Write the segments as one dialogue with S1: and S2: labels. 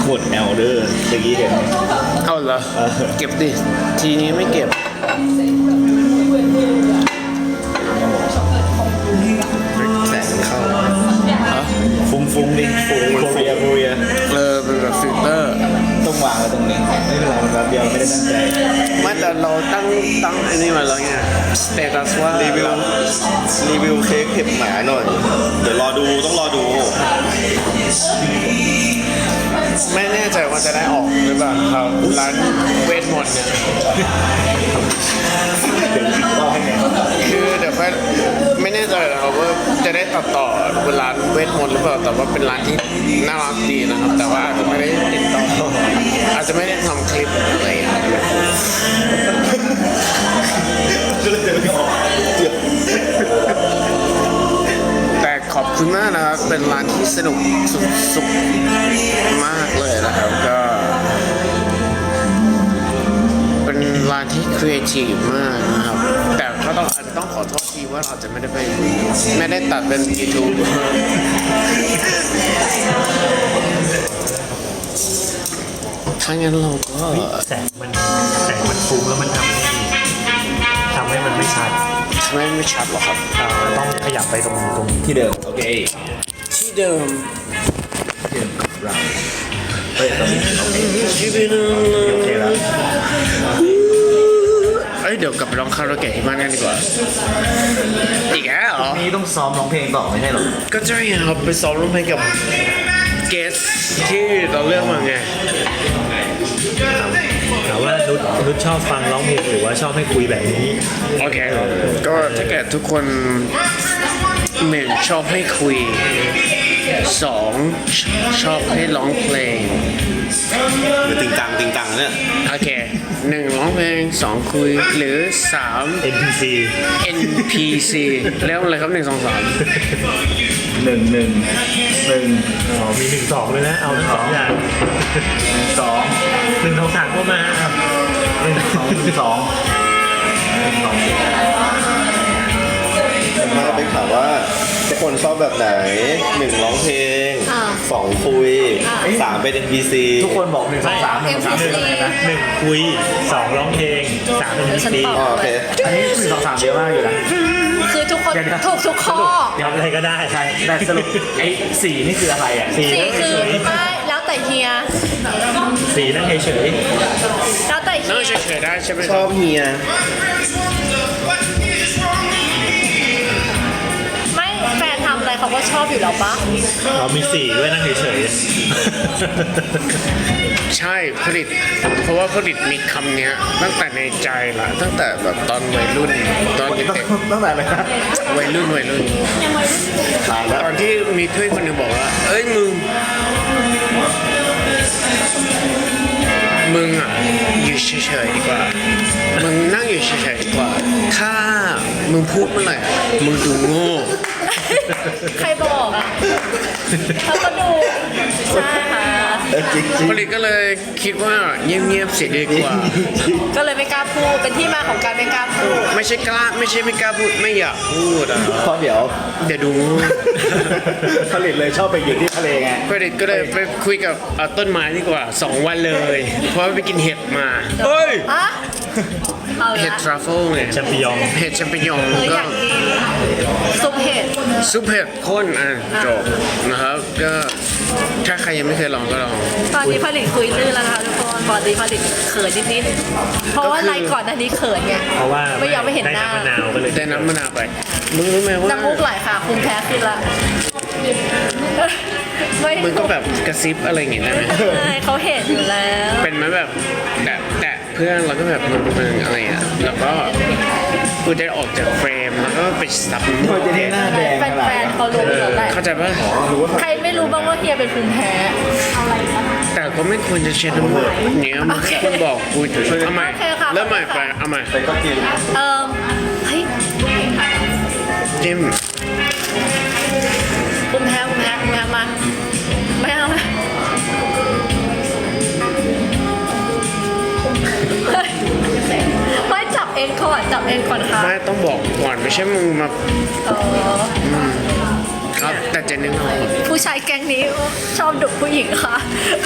S1: กด L เด้อเมื่อกี้เห็น
S2: เอาเหรอเก็บดิทีนี้ไม่เก็บแสงเข้า
S1: ฟุ้งดิฟุ้งเฟีย
S2: เป็นแบบฟิลเตอร์
S1: ต้องวางไว้ตรงนี้ไม่เป็นไรมันแบบเดียวไม่ได้ตั้งใจ
S2: ไม่แต่เราตั้งอันนี้มาแล้วไงสเตตัสว่า
S1: รีวิวเค้กเห็บหมาหน่อยเดี๋ยวต้องรอดู
S2: ไม่แน่ใจว่าจะได้ออกหรือเปล่าครับร้านเวทมนต์เนี่ยคือเดี๋ยวไม่แน่ใจนะครับว่าจะได้ตัดต่อเป็นร้านเวทมนต์หรือเปล่าแต่ว่าเป็นร้านที่น่ารักดีนะครับแต่ว่าอาจจะไม่ได้ติดต่ออาจจะไม่ได้ทำคลิปอะไรอย่างเงี้ยแต่ขอบคุณมากนะครับเป็นร้านที่สนุกสุดมากเลยนะครับก็เป็นร้านที่ครีเอทีฟมากนะครับแต่ก็อาจจะต้องขอโทษทีว่าเราจะไม่ได้ตัดเป็น YouTube ถ้างั้นเราก็
S3: แสงมันฟุ้งแล้วมันทำให้มันไม่ชัด
S2: ไม่ชัดหรอครับ
S3: ต้องขยับไปตรง
S1: ที่เดิมโอเค
S2: ที่เดิม
S1: เราตอนนี้โอเคแล้ว
S2: เดี๋ยวกลับไปร้องคาราโอเกะที่บ้านกันดีกว่าอีกแล้วเหรอ
S1: นี่ต้องซ้อมร้องเพลงต่อไม่ใช่หรอ
S2: ก็ใช่ครับไปซ้อมร้องเพลงกับเกสที่เราเลือกมาไง
S3: ถามว่านุชชอบฟังร้องเพลงหรือว่าชอบให้คุยแบบนี้
S2: โอเคก็ถ้าเกิดทุกคน1ชอบให้คุย2ชอบให้ร้องเพลง
S1: หรือติงตังเนี่ย
S2: โอเค1ร้องเพลง2คุยหรือ3 NPC แล้วอะไรครับ1 2 3 1
S3: มี1 2เลยนะเอาทั้ง2อย่าง1 2 3ก็มาครับ
S1: 2มาไปถามว่าทุกคนชอบแบบไหน1ร้องเพลง2คุย3เป็น NPC
S4: ทุกคนบอก1 2 3
S3: 1คุย2ร้องเพลง3เป็น NPC
S1: โอเค
S4: อันนี้1 2 3เยอะมากอยู่นะ
S5: คือทุกคนถูกทุกข้อ
S3: ทำอะไรก็ได้
S4: ใช่แต่สรุปไอ้4นี่คืออะไรอ่ะ
S5: 4คือไม่แล้วแต่เฮีย
S3: 4นั่งเฉย
S5: แล้วแต่เฮีย
S2: เฉยได้ใช่ไหม
S1: ชอบเฮีย
S5: ไม่แฟนทำอะไรเขาก็ชอบอยู่แล้วปะ
S3: เรามี4ด้วยนั่งเฉย
S2: ใช่เพราะว่าผลิตมีคำนี้ตั้งแต่ในใจละตั้งแต่แบบตอนวัยรุ่นตอนเด็ก
S4: ตั้งแต่อะไรนะ
S2: วัยรุ่นตอนที่มีเพื่อนคนหนึ่งบอกว่าเอ้ยมึงอ่ะอยู่เฉยๆดีกว่ามึงนั่งอยู่เฉยๆดีกว่าถ้ามึงพูดเมื่อไหร่มึงดูโง่
S5: ใครบอกอ่ะเขาก็ดูใช่ค่ะ
S2: ผลิตก็เลยคิดว่าเงียบๆเสียดีกว่า
S5: ก็เลยไม่กล้าพูดเป็นที่มาของการไม่กล้าพูด
S2: ไม่ใช่ไม่กล้าพูดไม่อยากพูดอ่ะ
S1: เพราะเดี๋ยว
S2: ดู
S4: ผลิตเลยชอบไปอยู่ที่ทะเลไง
S2: ผลิตก็เลยไปคุยกับต้นไม้ดีกว่า2 วันเลยเพราะไปกินเห็ดมาเฮ้ยเห็ดทรัฟเฟิลเนี่ย
S3: แชมปิญอง
S2: เห็ดแชมปิญอง
S5: ก็ซุปเห็ด
S2: ข้นจบนะครับก็ถ้าใครยังไม่เคยลองก็ลอง
S5: ตอนนี้ผลิตคุยลื่นแล้วนะคะทุกคนปกติผลิตเขินนิดๆเพราะว่าไลฟ์ก่อนอันนี้เขินไง
S3: เพราะว่า
S5: ไม่ยอมไม่เห็นหน้า
S3: ได้น้ำมะนาวก็เลย
S2: ได้น้ำมะนาวไปมึงรู้ไหมว่า
S5: น้ำมูกไหลค่ะภูมิแพ้ขึ้นละ
S2: มึงก็แบบกระซิบอะไรอย่างเงี้ยได้ไหม
S5: เขาเห็นอยู่แล้ว
S2: เป็นไหมแบบแต่เพื่อนเราก็แบบมึงอะไรอ่ะแล้วก็กูจะออกจากเฟรมแล้วก็ไปซับ
S4: มือจะได้หน้าแดง
S5: แฟนเขารู้อยู่แล้ว
S2: เข้าใจป่ะ
S5: ใครไม่รู้บ้างว่าเฮียเป็นภูมิแพ้
S2: แต่ก็ไม่ควรจะเช็ดน้ำมูกเนี่ยมันคุณบอกกูเอาใหม่เริ่มใหม่ไปเอาใหม่
S1: ก็กิน
S5: เฮ้ย
S2: จิ้ม
S5: ภูมิแพ้มาไม่เอาไม่จับเองก่อนค่ะ
S2: ไม่ต้องบอกก่อนไม่ใช่มึงมาครับ แต่เจนนี่นอน
S5: ผู้ชายแก๊งนี้ชอบดุผู้หญิงค่ะ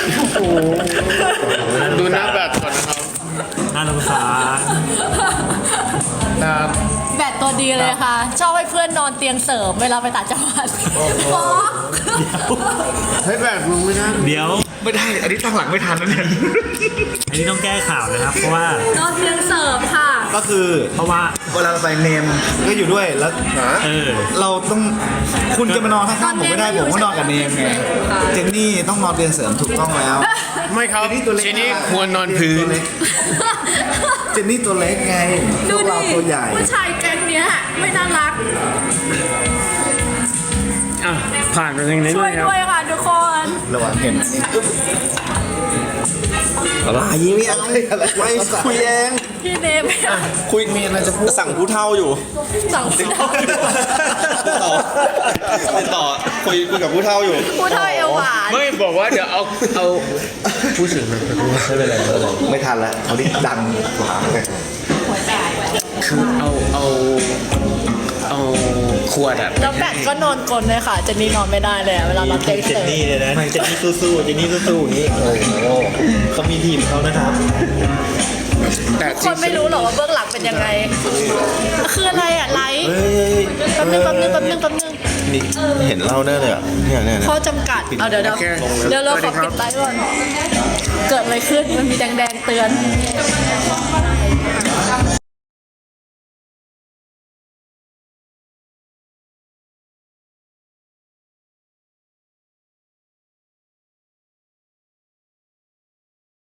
S2: ดูหน้าแบบก่อนนะครับ
S3: น่าสงสาร
S2: ครับ
S5: แบตตัวดีเลยค่ะ ชอบให้เพื่อนนอนเตียงเสริมเวลาไปต่างจังหวัดฟ้อง
S2: เฮ้ยแบบมึงไม่ได้
S3: เดี๋ยว
S4: ไม่ได้ อันนี้ตั้งหลังไม่ทันแล้วเนี่ย
S3: อันนี้ต้องแก้ข่าวนะครับ เพราะว่า
S5: นอนเตียงเสริมค่ะ
S4: ก็คือ
S3: เพราะว่า
S4: เวลาเราไปเนมก็อยู่ด้วยแล้ว
S3: เออ
S4: เราต้องคุณจะมานอนข้างๆผมไม่ได้ผมก็นอนกับเนมไงเจนนี่ต้องนอนเตียงเสริมถูกต้องแล้ว
S2: ไม่ครับ
S4: เจนนี่ตัวเล็ก
S2: เจนนี่ควรนอนพื้น
S4: เจนนี่ตัวเล็กไงพ
S5: ดู
S4: วกเรา
S5: ดิ
S4: ตัวใหญ่
S5: ผู้ชายแก๊งเนี้ยไม่น่ารัก
S2: อ่ะผ่านไปทางนี้
S5: ช่
S2: เล
S5: วย
S2: ยครับ
S5: ด้วยค่ะทุกคน
S4: ระหว่างเห็นอันนี้
S1: อะไรไม่เอาไม่คุยเอง
S5: พี่เนม
S1: คุยมีอะไรจะพูดสั่งผู้เท่าอยู่
S5: สั่ง
S1: ติดต่อคุยกับผู้เท่าอยู่
S5: ผู้เท่าเอวหวาน
S2: ไม่บอกว่าเดี๋ยวเอาผู้สิงมา
S1: ไม่เป็นไรไม่ทันแล้วเขาดิดังกว่าไง
S2: คือเอาขวดอะ
S5: แล้วแบตก็นอนกลนเลยค่ะเจนนี่นอนไม่ได้เลยอะเวลานอนเตียง
S3: เจ
S5: เสริ
S3: น
S5: ม
S3: นี่เนี่ยนะเจนนี่สู้ๆเจนนี่สู้ๆอย่างนี้โอ้โหเขามีทีมเขานะครับ
S2: แต่
S5: คนไม่รู้หรอกว่าเบื้องหลังเป็นยังไง คืออะไรอ่ะไลฟ์
S1: เฮ้ย
S5: แป๊บนึง
S1: นี่เห็นเล่าได้เลยอ่ะเนี่ย
S5: ข้อจำกัดเอาเดี๋ยวเราขอปิดไลฟ์ก่อนเกิดอะไรขึ้นมันมีแดงๆเตือน